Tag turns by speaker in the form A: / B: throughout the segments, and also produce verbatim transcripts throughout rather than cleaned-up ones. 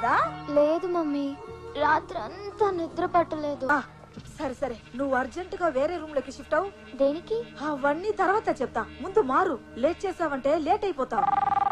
A: లేదా?
B: లేదు మమ్మీ, రాత్రంతా నిద్ర పట్టలేదు.
A: సరే సరే, నువ్వు అర్జెంట్ గా వేరే రూమ్ లోకి షిఫ్ట్ అవు.
B: దేనికి?
A: అవన్నీ తర్వాత చెప్తా, ముందు మారు. లేట్ చేసావంటే లేట్ అయిపోతావు.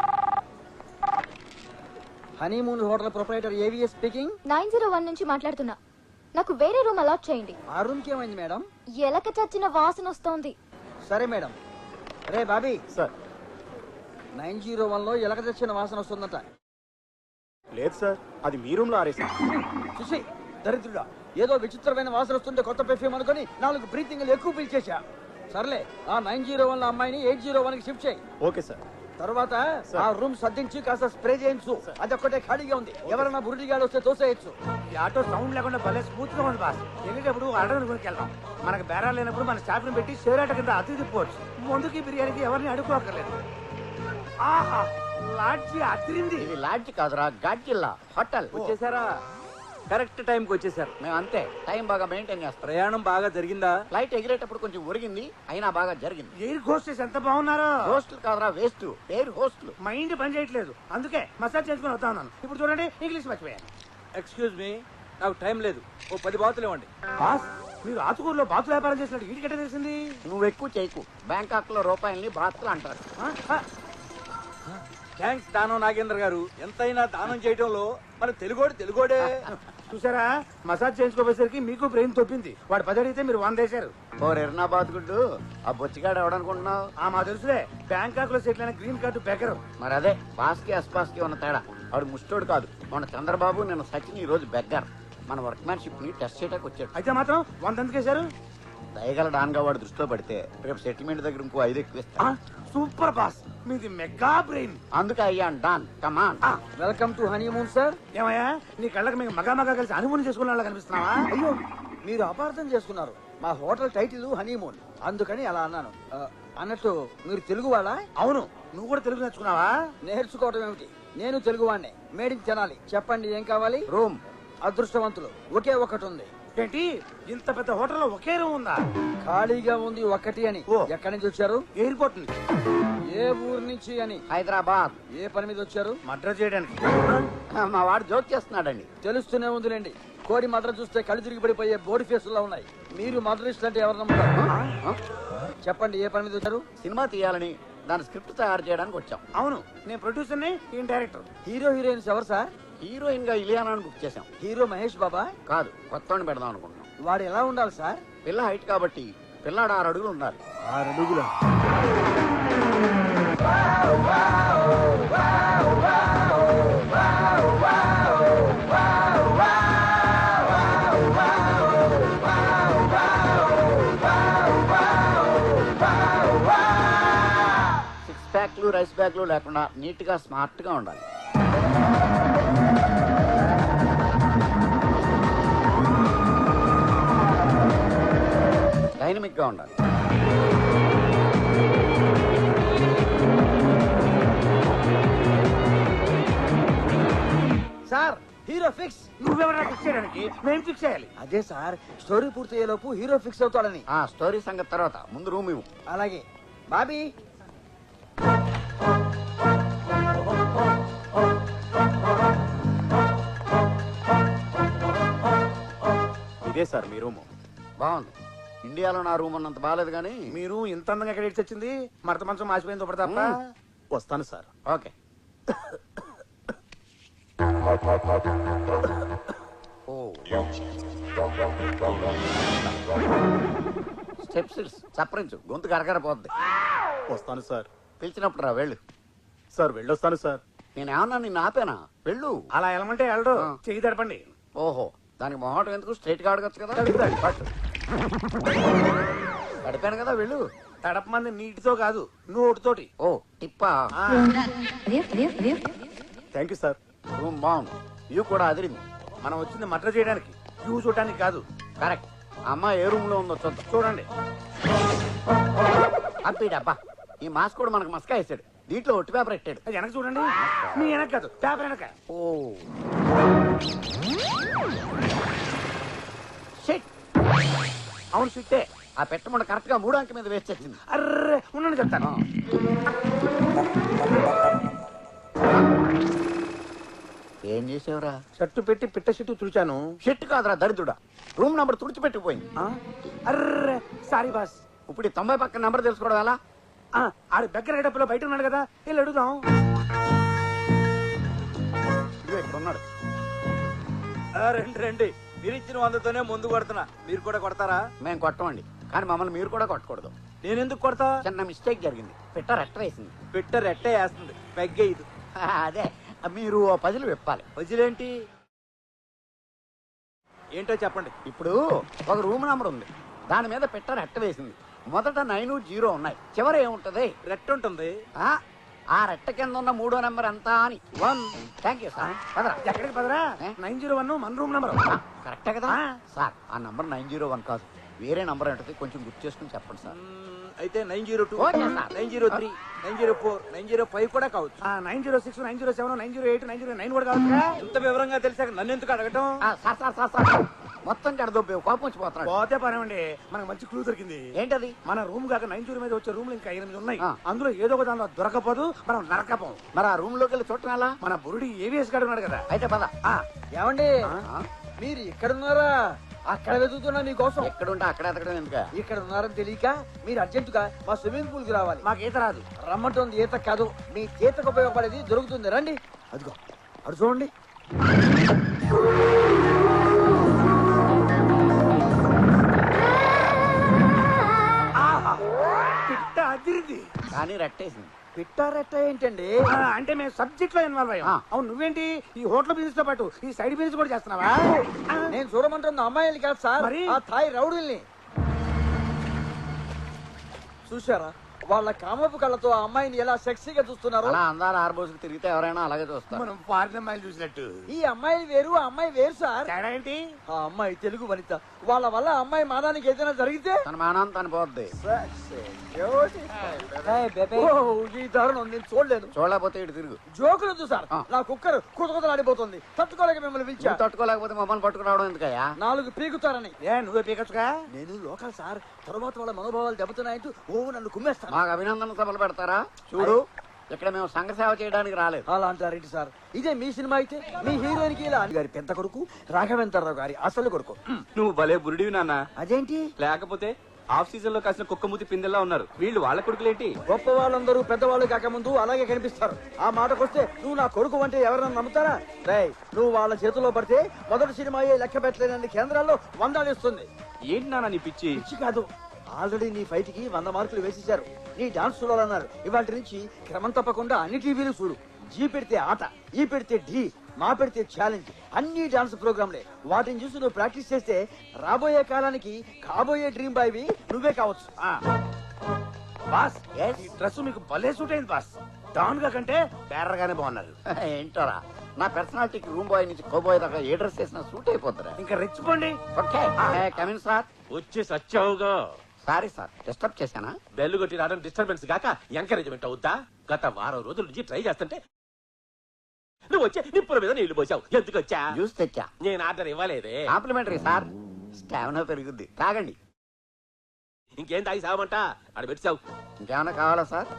C: Honeymoon hotel proprietor AVS speaking.
B: Nine zero one నుంచి మాట్లాడుతున్నా. నాకు వేరే రూమ్ అలాట్ చేయండి.
C: ఆ రూమ్ కి ఏమైంది మేడం?
B: ఎలక చచ్చిన వాసన వస్తోంది.
C: సరే మేడం. రే Bobby
D: sir,
C: nine zero one లో ఎలక చచ్చిన వాసన వస్తుందట.
D: లేదు సార్, అది మీ రూమ్ లో ఆరేసా.
C: చూసి దరిద్రుడా, ఏదో విచిత్రమైన వాసన వస్తుంటే కొత్త పెర్ఫ్యూమ్ అనుకుని నాలుగు బ్రీతింగ్లు ఎక్కువ పిలిచేసా. సర్లే, ఆ నైన్ జీరో వన్ లో అమ్మాయిని ఎయిట్ జీరో వన్ కి షిఫ్ట్ చేయి.
D: Okay sir.
C: తర్వాత ఆ రూమ్ సర్దించి కాస్త స్ప్రే చేయించు. అది ఒక్కటే ఖాళీగా ఉంది, ఎవరైనా బురుడిగాడు వస్తే తోసేయచ్చు.
E: ఈ ఆటో సౌండ్ లేకుండా భలే స్మూత్ గా ఉంది బాస్. వెళ్ళేటప్పుడు అడవిని కొనుక్కి వెళ్దాం. మనకు బేరాలు లేనప్పుడు మన స్టాఫ్ ని పెట్టి షేర్ ఆట కింద అతి తిప్పవచ్చు. ముందుకి బిర్యానీకి ఎవరిని అడుక్కోక్కర్లేదు. ఆహా, లాడ్జి అతిరింది.
F: ఇది లాడ్జి కాదురా, గాడ్జిల్లా హోటల్.
G: వచ్చేసారా? కరెక్ట్ టైం కి వచ్చేసారు.
F: మేము అంతే, టైం బాగా మెయింటైన్ చేస్తాం.
G: ప్రయాణం బాగా జరిగిందా?
F: ఫ్లైట్ ఎగిరేటప్పుడు కొంచెం ఒరిగింది, అయినా బాగా జరిగింది.
E: ఎయిర్ హోస్టెస్ ఎంత బాగున్నారో.
F: హోస్టల్ కాదురా, వేస్ట్. Air hostel.
E: మైండ్ పని చేయట్లేదు, అందుకే మసాజ్ చేసుకుని వస్తా ఉన్నాను. ఇప్పుడు చూడండి, ఇంగ్లీష్ మర్చిపోయాను.
G: ఎక్స్క్యూజ్ మీ, నాకు టైం లేదు. ఓ పది బాతులు ఇవ్వండి.
E: బాస్, మీరు ఆతుకూరులో బాతులు వ్యాపారం చేసినట్టు వీటికెట్ట తెలిసింది?
F: నువ్వు ఎక్కువ చేయకు. బ్యాంకాక్ లో రూపాయల్ని బాత్లు అంటారు.
G: థ్యాంక్స్ దానం నాగేంద్ర గారు. ఎంతైనా దానం చేయడంలో మన తెలుగోడు తెలుగోడే.
E: చూసారా, మసాజ్ చేయించుకోపోయేసరికి మీకు బ్రెయిన్ తొప్పింది. వాడు పది అడిగితే మీరు వంద వేశారు.
F: ఓ ఎర్నాబాద్ గుడ్డు, ఆ బొచ్చిగాడు ఎవడనుకుంటున్నావు?
E: ఆ మా తెలుసులే, బ్యాంకాక్ లో సెటిల్ అయిన గ్రీన్ కార్డు బెకరు.
F: మరి అదే బాస్కి అస్పాస్కి ఉన్న తేడా. వాడు ముష్టోడు కాదు. మన చంద్రబాబు నిన్న సచిన్, ఈ రోజు బెగ్గర్. మన వర్క్మ్యాన్షిప్ ని టెస్ట్ చేయడానికి వచ్చాడు.
E: అయితే మాత్రం వంద ఎందుకు వేశారు?
F: దయగల డాన్ గా వాడు దృష్టిలో పడితే రేపు సెటిల్మెంట్ దగ్గర ఇంకో ఐదు ఎక్కువ ఇస్తా.
E: సూపర్ బాస్, మీది మెగా బ్రెయిన్.
F: అందుకే అయ్యాను don. Come on.
C: Welcome to honeymoon sir.
E: ఏమయ్యా, నీ కళ్ళకి మేము మగా మగా కలిసి అనుమతి చేసుకున్న వాళ్ళ కనిపిస్తున్నావా?
C: అయ్యో, మీరు అపార్థం చేసుకున్నారు. మా హోటల్ టైటిల్ హనీమూన్, అందుకని అలా అన్నాను. ఆ, అన్నట్టు మీరు తెలుగు వాళ్ళా?
E: అవును, నువ్వు కూడా తెలుగు నేర్చుకున్నావా?
C: నేర్చుకోవడం ఏమిటి, నేను తెలుగు వాడిని. మేడికి తినాలి. చెప్పండి ఏం కావాలి?
F: రూమ్.
C: అదృష్టవంతులు, ఒకే ఒకటి ఉంది.
E: ఏంటి, ఇంత పెద్ద హోటల్లో ఒకే రూమ్ ఉందా?
C: ఖాళీగా ఉంది ఒకటి అని.
E: ఓ.
C: ఎక్కడి నుంచి వచ్చారు?
E: ఎయిర్పోర్ట్ నుంచి.
C: ఏ ఊరు నుంచి అని?
F: హైదరాబాద్.
C: ఏ పని మీద వచ్చారు?
E: మర్డర్ చేయడానికి.
F: మా వాడు జోక్ చేస్తున్నాడండి.
C: తెలుస్తూనే ఉందిలేండి. కోడి మద్ర చూస్తే కళ్ళు తిరిగి పడిపోయే బోడి ఫేసుల్లో ఉన్నాయి. మీరు మద్రస్ట్ అంటే ఎవరు నమ్ముతారు? చెప్పండి ఏ పని మీద వచ్చారు?
F: సినిమా తీయాలని, దాని స్క్రిప్ట్ తయారు చేయడానికి వచ్చాం.
E: అవును, నేను ప్రొడ్యూసర్ ని, ఈయన డైరెక్టర్.
C: హీరో హీరోయిన్స్ ఎవరు సార్?
F: హీరోయిన్ గా ఇలియానాని బుక్ చేసాం.
C: హీరో మహేష్ బాబా?
F: కాదు, కొత్తవాడిని పెడదాం అనుకుంటున్నాం.
C: వాడు ఎలా ఉండాలి సార్?
F: పిల్ల హైట్ కాబట్టి పిల్లాడు ఆరు అడుగులు ఉండాలి.
C: ఆరు అడుగుల
F: సిక్స్ ప్యాక్లు రైస్ బ్యాగ్లు లేకుండా నీట్ గా స్మార్ట్ గా ఉండాలి. డైనమిక్ గా ఉండాలి.
C: Sir, hero fix.
E: నువ్వెవరా ఫిక్స్ చేయడానికి? మేము ఫిక్స్ చేయాలి.
C: అదే సార్, స్టోరీ పూర్తయ్యేలోపు హీరో ఫిక్స్ అవుతాడని.
F: ఆ స్టోరీ సంగతి తర్వాత, ముందు రూమ్ ఇవ్వు.
C: అలాగే బాబీ.
D: ఇదే సార్ మీ రూము.
F: బాగుంది. ఇండియాలో నా రూమ్ అన్నంత బాగాలేదు కానీ
E: మీరు ఇంత అందంగా ఎక్కడ ఇచ్చి వచ్చింది? మరత మంచం మాసిపోయింది ఒకటి తప్ప.
D: వస్తాను సార్.
F: ఓకే. ఓ స్టెప్స్ సపరించు, గొంతు కరకరపోద్ది.
D: వస్తాను సార్.
F: పిలిచినప్పుడు రా, వెళ్ళు.
D: సార్ వెళ్ళొస్తాను సార్.
F: నేనేమన్నా నిన్ను ఆపేనా? వెళ్ళు.
E: అలా వెళ్ళమంటే వెళ్ళడు. చెయ్యి తడపండి.
F: ఓహో, దానికి మొహటం ఎందుకు? స్ట్రైట్ గా అడగచ్చు కదా. పట్టు. గడిపాను కదా, వెళ్ళు.
E: తడపమంది నీటితో కాదు, నోటితోటి.
F: ఓ టిప్పా.
D: Thank you sir.
F: రూమ్ బాగుంది, వ్యూ కూడా అదిరింది.
E: మనం వచ్చింది మర్డర్ చేయడానికి, వ్యూ చూడటానికి కాదు.
F: కరెక్ట్. అమ్మ ఏ రూమ్ లో ఉందో చూద్దాం.
E: చూడండి.
F: అబ్బా, ఈ మాస్క్ కూడా మనకు మస్కా వేసాడు. దీంట్లో ఒట్టి పేపర్ పెట్టాడు.
E: అది వెనక చూడండి. మీ వెనక కాదు, పేపర్ వెనక.
F: ఓ షిట్.
E: అవును, సిట్టే.
F: ఆ పెట్టమంట కరెక్ట్ గా మూడు అంకె మీద వేస్ట్ వచ్చింది.
E: అర్రే, ఉండండి చెప్తాను.
F: ఏం చేసావురా?
E: షట్టు పెట్టి పిట్ట షట్టు తుడిచాను.
F: షెట్ కాదురా దరిద్రుడా, రూమ్ నంబర్ తుడిచిపెట్టిపోయింది.
E: ఆ? అర్రే సారీ బాస్.
F: ఇప్పుడు ఈ తొంభై పక్కన నంబర్ తెలుసుకోవడం ఎలా?
E: ఆ, ఆడి దగ్గర డబ్బులో బయట ఉన్నాడు కదా, వెళ్ళి అడుగుదాం.
F: ఇదిగో ఇక్కడ ఉన్నాడు.
G: ఆ, రండి రండి, మీరు ఇచ్చిన వందతోనే ముందు కొడుతున్నా, మీరు కూడా కొడతారా?
F: మేము కొట్టమండి, కానీ మమ్మల్ని మీరు కూడా కొట్టకూడదు.
G: నేను ఎందుకు కొడతా?
F: చిన్న మిస్టేక్ జరిగింది, పిట్ట రెట్ట వేసింది.
G: పిట్ట రెట్టే వేస్తుంది, పెగ్గే ఇది.
F: అదే మీరు ఓ పజిల్ విప్పాలి.
G: వదిలేంటి ఏంటో చెప్పండి.
F: ఇప్పుడు ఒక రూమ్ నంబర్ ఉంది, దాని మీద పిట్ట రెట్ట వేసింది. మొదట నైన్ జీరో ఉన్నాయి, చివర ఏముంటది?
G: రెట్ట ఉంటుంది.
F: ఆ, ఆ రెట్ట కింద ఉన్న మూడో నెంబర్ ఎంత అని.
G: వన్.
F: Thank you sir. పదరా.
E: ఎక్కడికి పదరా?
F: ఏ?
E: నైన్ జీరో వన్ మన రూమ్ నెంబర్.
F: కరెక్టే కదా
E: ఆ.
F: సార్? ఆ నంబర్ నైన్ జీరో వన్ కాదు, వేరే నంబర్ ఉంటుంది, కొంచెం గుర్తు చేసుకుని చెప్పండి సార్.
G: మ్మ్, అయితే nine zero two,
F: okay sir.
G: Nine zero three, nine zero four, nine zero five కూడా కావచ్చు.
E: Nine zero six nine zero seven nine zero eight nine zero nine కూడా కావచ్చు.
G: ఇంత వివరంగా తెలిసాక నన్ను ఎందుకు అడగటం?
F: ఆ, సార్ సార్ సార్ సార్ మొత్తం జడదొబ్బే కోపం వచ్చిపోతున్నాడు.
E: పోతే పనేమండి, మనకు మంచి క్లూ దొరికింది.
F: ఏంటది?
E: మన రూమ్ కాక నైన్ జీరో మీద వచ్చే రూమ్లు ఇంకా ఎనిమిది ఉన్నాయి.
F: ఆ.
E: అందులో ఏదో ఒక దానిలో దొరకపోదు, మనం నరకపోం.
F: మరి ఆ రూమ్ లోకి వెళ్ళి చూడటం ఎలా?
E: మన బురుడి ఏవిఎస్ గాడు ఉన్నాడు కదా.
F: అయితే పద.
E: ఆ,
C: ఏమండి
F: ఆ?
C: మీరు ఇక్కడ ఉన్నారా? అక్కడ వెతుకుతున్నా మీకోసం.
F: ఎక్కడుంటే అక్కడ ఎతకడం ఎందుకు?
C: ఇక్కడ ఉన్నారని తెలియక మీరు అర్జెంటుగా మా స్విమ్మింగ్ పూల్ కి రావాలి.
E: మాకు ఈత రాదు.
C: రమ్మంటుంది ఈత కాదు, మీ ఈతకు ఉపయోగపడేది దొరుకుతుంది, రండి. అదిగో అడు చూడండి.
E: ఆహా, పిట్ట అదిరింది.
F: కానీ రెట్టేసింది.
C: పిట్టారెట్ట ఏంటండి?
E: ఆ, అంటే మేము సబ్జెక్ట్ లో ఇన్వాల్వ్ అయ్యాం.
F: ఆ.
E: అవును, నువ్వేంటి ఈ హోటల్ బిజినెస్ తో పాటు ఈ సైడ్ బిజినెస్ కూడా చేస్తున్నావా? ఆ,
C: నేను చూడమంటున్న అమ్మాయిలు కాదు సార్,
E: మరి?
C: ఆ థాయ్ రౌడీల్ని. చూసారా వాళ్ళ కామపు కళ్ళతో ఆ అమ్మాయిని ఎలా సెక్సీగా చూస్తున్నారు?
F: అలా అందాల ఆర్బోసుకు తిరిగితే ఎవరైనా అలాగే చూస్తారు.
E: మనం ఫారిన్ అమ్మాయిలు చూసినట్టు.
C: ఈ అమ్మాయి వేరు, ఆ అమ్మాయి వేరు సార్.
E: తేడా ఏంటి?
C: ఆ అమ్మాయి తెలుగు వనిత, వాళ్ళ వల్ల ఆ అమ్మాయి మానానికి ఏదైనా జరిగితే
F: తన మానం తన పోద్ది.
C: ఓ, ఈ దారుణం నేను చూడలేను.
F: చూడలేకపోతే ఇటు తిరుగు.
C: జోకులొద్దు సార్,
F: ఆ.
C: నా కుక్కర్ కుతకుతలాడిపోతుంది, తట్టుకోలేక మిమ్మల్ని పిలిచా.
F: నువ్వు తట్టుకోలేకపోతే మమ్మల్ని పట్టుకురావడం ఎందుకయ్యా?
C: నాలుగు పీకుతారని.
E: ఏ నువ్వే పీకచ్చుగా.
C: నేను లోకల్ సార్, తర్వాత వాళ్ళ మనోభావాలు దెబ్బతున్నాయంటూ ఓ నన్ను కుమ్మేస్తాను.
F: మాకు అభినందన సభలు పెడతారా? చూడు, ఇక్కడ మేము సంఘ సేవ చేయడానికి రాలేదు.
C: అలా అంటారేంటి సార్? ఇదే మీ సినిమా అయితే మీ హీరోయిన్ కి ఇలా గారి పెద్ద కొడుకు రాఘవేంద్రరావు గారి అసలు కొడుకు.
G: నువ్వు భలే బురుడివి నాన్న.
C: అదేంటి?
G: లేకపోతే ఆఫ్ సీజన్ లో కాసిన కుక్క మూతి పిందెల్లా ఉన్నారు వీళ్ళు. వాళ్ళ కొడుకులేంటి?
C: గొప్ప వాళ్ళందరూ పెద్దవాళ్ళు కాకముందు అలాగే కనిపిస్తారు. ఆ మాటకొస్తే నువ్వు నా కొడుకు అంటే ఎవరన్నా నమ్ముతారా? రేయ్, నువ్వు వాళ్ళ చేతిలో పడితే మొదటి సినిమా అయ్యే లెక్క పెట్టలేనన్ని కేంద్రాల్లో వందాలిస్తుంది.
G: ఏంటి నాన్న నీ పిచ్చి?
C: పిచ్చి కాదు, ఆల్రెడీ నీ ఫైట్ కి వంద మార్కులు వేసేశారు. నీ డాన్స్ చూడాలన్నారు. ఇవాటి నుంచి క్రమం తప్పకుండా అన్ని టీవీలు చూడు. జీ పెడితే ఆట, ఈ పెడితే ఢీ, మా పెడితే ఛాలెంజ్, అన్ని డాన్స్ ప్రోగ్రాంలే. వాటిని చూసి నువ్వు ప్రాక్టీస్ చేస్తే రాబోయే కాలానికి కాబోయే డ్రీమ్ బాయ్వి నువ్వే కావచ్చు.
E: ఆ. బాస్, ఈ డ్రెస్ మీకు భలే సూట్ అయింది బాస్. డాన్ గా కంటే బేరర్ గానే బాగున్నారు.
F: ఏంటోరా, నా పర్సనాలిటీకి రూమ్ బాయ్ నుంచి కోబాయ్ దాకా ఏ డ్రెస్ వేసినా సూట్ అయిపోతారా?
E: ఇంకా రెచ్చిపోండి.
F: Okay, come in sir.
H: వచ్చి సచ్చావుగా.
F: సారీ సార్, డిస్టర్బ్ చేశానా?
H: బెల్లు కొట్టి రావడం డిస్టర్బెన్స్ గాక ఎంకరేజ్మెంట్ అవుద్దా? గత వారం రోజుల నుంచి ట్రై చేస్తుంటే నువ్వు వచ్చి నిప్పుల మీద నీళ్లు పోసావు. ఎందుకు వచ్చా?
F: జ్యూస్ తెచ్చా.
H: నేను ఆర్డర్ ఇవ్వలేదే.
F: కాంప్లిమెంటరీ సార్, స్టామినా పెరుగుద్ది, తాగండి.
H: ఇంకేం తాగి సావమంట? ఆడ పెట్టావు.
F: ఇంకేమైనా కావాలా సార్?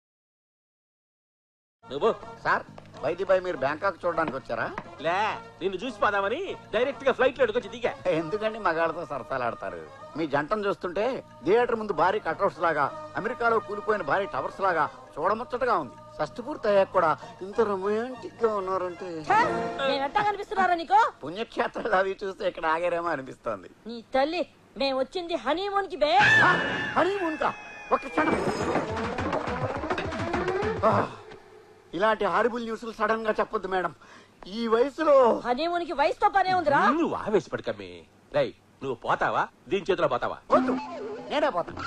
H: నువ్వు
F: సార్, వైద్య బాయ్ మీరు బ్యాంకాక్ చూడడానికి వచ్చారా?
H: లే, నిన్ను చూసి పోదామని డైరెక్ట్ గా ఫ్లైట్ లో ఎడుకొచ్చి దిగా.
F: ఎందుకండి మగాళ్ళతో సరసాలాడతారు? మీ జంటను చూస్తుంటే థియేటర్ ముందు భారీ కట్అవుట్స్ లాగా, అమెరికాలో కూలిపోయిన భారీ టవర్స్ లాగా చూడముచ్చటగా ఉంది. షష్టి పూర్తి అయ్యాక కూడా ఇంత రొమాంటిక్ గా ఉన్నారంటే
A: ఎట్టా కనిపిస్తున్నారా నీకు?
F: పుణ్యక్షేత్రాలు అవి చూస్తే ఇక్కడ ఆగారేమో అనిపిస్తోంది.
A: నీ తల్లి, మేము వచ్చింది హనీమూన్ కి బే.
F: హనీమూన్ కా? ఒక్క క్షణం. ఆ, ఇలాంటి హారిబుల్ న్యూస్లు సడన్ గా చెప్పొద్దు మేడం. ఈ వయసులో
A: హనీమూన్ కి వయసుతో పనే ఉందిరా.
H: నువ్వు ఆవేశపడకమ్మి. రై, నువ్వు పోతావా? దీని చేతిలో పోతావా?
F: వద్దు, నేనే పోతాను.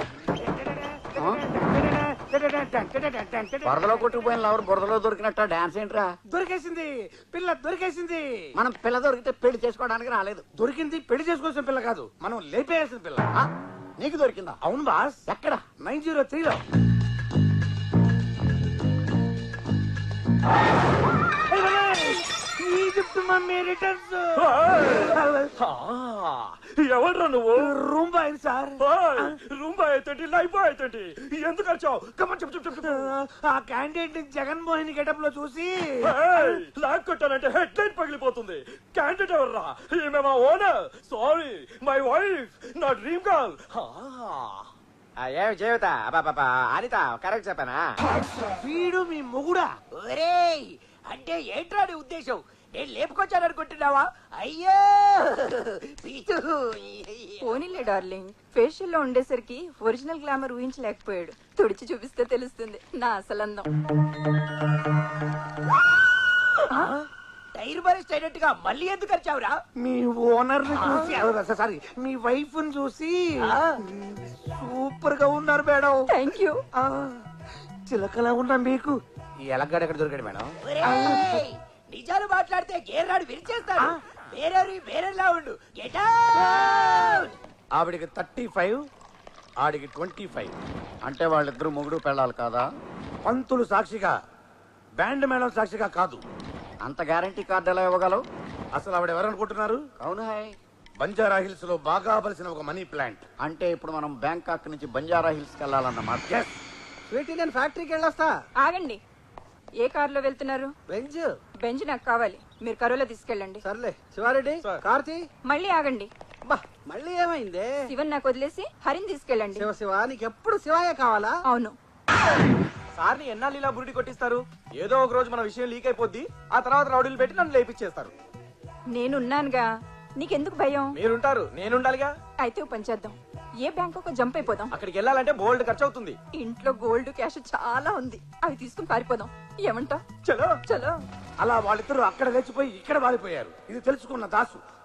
F: బురదలో కొట్టుకుపోయిన లవర్ బురదలో దొరికినట్ట డాన్స్ ఏంట్రా?
E: దొరికేసింది పిల్ల, దొరికేసింది.
F: మనం పిల్ల దొరికితే పెళ్లి చేసుకోవడానికి రాలేదు.
E: దొరికింది పెళ్లి చేసుకోవాల్సిన పిల్ల కాదు, మనం లేపేయాల్సిన పిల్ల.
F: ఆ, నీకు దొరికిందా?
E: అవును బాస్.
F: ఎక్కడ?
E: నైన్ జీరో త్రీలో. Egypt mummy returns.
H: ఎవడ్రా నువ్వు
E: room boy sir.
H: Room boy అయితే లైఫ్ బాయ్ అయితే ఎందుకు వచ్చావు కమన్ చెప్పు చెప్పు చెప్పు
E: ఆ క్యాండిడేట్ ని జగన్మోహిని గెటప్ లో చూసి
H: లాక్ కొట్టానంటే హెడ్ లైట్ పగిలిపోతుంది. క్యాండిడేట్ ఎవర్రా? ఈమె మా ఓనర్. సారీ మై వైఫ్, నా డ్రీమ్ గర్ల్.
G: ఏమి జీవిత బాబా అనిత కరెక్ట్ చెప్పానా?
E: వీడు మీ మొగుడా?
G: ఒరేయ్ అంటే ఏంట్రా నీ ఉద్దేశం? నేను లేపుకొచ్చాను అనుకుంటున్నావా? అయ్యో పీచు.
I: పోనీలే డార్లింగ్, ఫేషియల్ లో ఉండేసరికి ఒరిజినల్ గ్లామర్ ఊహించలేకపోయాడు. తుడిచి చూపిస్తే తెలుస్తుంది నా అసలందం.
G: టైర్ బరెస్ట్ అయినట్టుగా మళ్ళీ ఎందుకు వచ్చావురా?
E: మీ ఓనర్ ని చూసి సారీ మీ వైఫ్ ని చూసి సూపర్ గా ఉన్నారు మేడం.
I: Thank you.
E: ఆ, చిలకలా ఉన్నా మీకు ఈ ఎలగాడు ఎక్కడ దొరికాడు మేడం?
G: ఒరేయ్, నిజాలు మాట్లాడితే గేర్రాడు విరిచేస్తాడు. వేరే వేరేలా ఉండు. Get out.
E: ఆవిడికి థర్టీ ఫైవ్ ఆడికి ట్వంటీ ఫైవ్.
F: అంటే వాళ్ళిద్దరు మొగుడు పెళ్ళాలి కాదా?
E: పంతులు సాక్షిగా, బ్యాండ్ మేడం సాక్షిగా కాదు.
F: అంత గ్యారంటీ కార్డు ఎలా ఇవ్వగలవు?
E: అసలు ఆవిడ ఎవరనుకుంటున్నారు?
F: అవును హాయ్.
E: బంజారా హిల్స్ లో బాగా బలిసిన ఒక మనీ ప్లాంట్.
F: అంటే ఇప్పుడు మనం బ్యాంకాక్ నుంచి బంజారా హిల్స్ కి వెళ్ళాలన్నమాట.
E: ఎస్.
C: స్వీటీ నేను ఫ్యాక్టరీకి వెళ్ళొస్తా.
I: ఆగండి, ఏ కారులో వెళ్తున్నారు?
C: బెంజ్.
I: బెంజ్ నాకు కావాలి, మీరు కరోలో తీసుకెళ్ళండి.
C: సర్లే శివారెడ్డి, కార్తీ.
I: మళ్ళీ ఆగండి,
C: బా మళ్ళీ ఏమైంది?
I: శివన్ నాకు వదిలేసి హరిని తీసుకెళ్ళండి.
C: శివ శివ నీకు ఎప్పుడు శివాయే కావాలా?
I: అవును.
G: సార్ని ఎన్నాళ్ళు ఇలా బురిడి కొట్టిస్తారు? ఏదో ఒక రోజు మన విషయం లీక్ అయిపోద్ది. ఆ తర్వాత రౌడీలు పెట్టి నన్ను లేపిచ్చేస్తారు.
I: నేనున్నానుగా, నీకెందుకు భయం?
G: మీరుంటారు, నేనుండాలిగా.
I: అయితే ఓ పని చేద్దాం, ఏ బ్యాంకు జంప్ అయిపోదాం.
G: అక్కడికి వెళ్ళాలంటే బోల్డ్ ఖర్చు అవుతుంది.
I: ఇంట్లో గోల్డ్ క్యాష్ చాలా ఉంది, అవి తీసుకుని పారిపోదాం. ఏమంటావ్?
G: చలో
I: చలో.
E: అలా వాళ్ళిద్దరూ అక్కడ లేచిపోయి ఇక్కడ వాలిపోయారు. ఇది తెలుసుకున్న దాసు